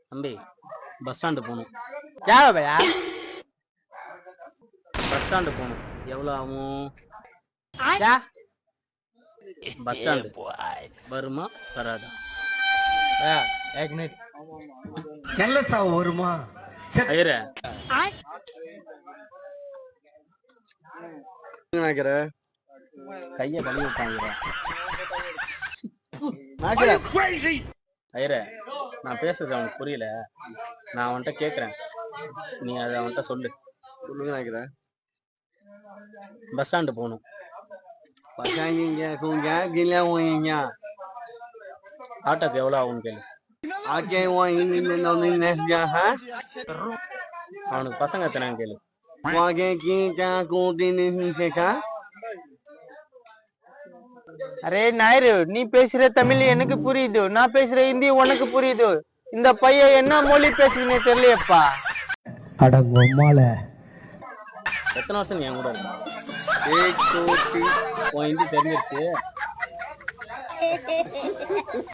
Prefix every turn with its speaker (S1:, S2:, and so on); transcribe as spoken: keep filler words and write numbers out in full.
S1: தம்பி bus stand போகணும்.
S2: யாரோ பையா
S1: பஸ் ஸ்டாண்டு போகணும். எவ்வளோ ஆகும்?
S2: யா
S1: பஸ் ஸ்டாண்டு வருமா வராதா?
S2: பையா एक मिनट
S3: கெல்லசா வருமா?
S1: ஐயரே
S3: நினைக்கிற
S1: கைய கழுவி விட்டாங்க. ஐயரே நான் பேசுறது அவனுக்கு புரியல. நான் அவன்கிட்ட கேக்குறேன், நீ அதை அவன்கிட்ட சொல்லு.
S3: சொல்லுங்க நினைக்கிற
S1: பஸ் ஸ்டாண்டு போகணும்.
S3: பசாங்க குங்க கில ஓயிங்க
S1: ஆட்டோக்கு எவ்வளோ ஆகும்னு கேளு.
S3: ஆக்கே ஓயிங்க நோனிங்க ஹ
S1: அவனுக்கு பசங்க எத்தனைன்னு கேளு.
S3: வாகே கீடா கோதினி ஹிஞ்சேகா.
S2: அரே நாயரு, நீ பேசுற தமிழ் எனக்கு புரியுது, நான் பேசுற ஹிந்தி உனக்கு புரியுது. இந்த பையன் என்ன மொழி பேசுறீங்க தெரியலையப்பா.
S3: அட பொம்மால
S1: எத்தனை வருஷம் நீ என் கூட இருக்க?
S3: ஏக் சோட்டி
S1: உன் ஹிந்தி தெரிஞ்சிருச்சு.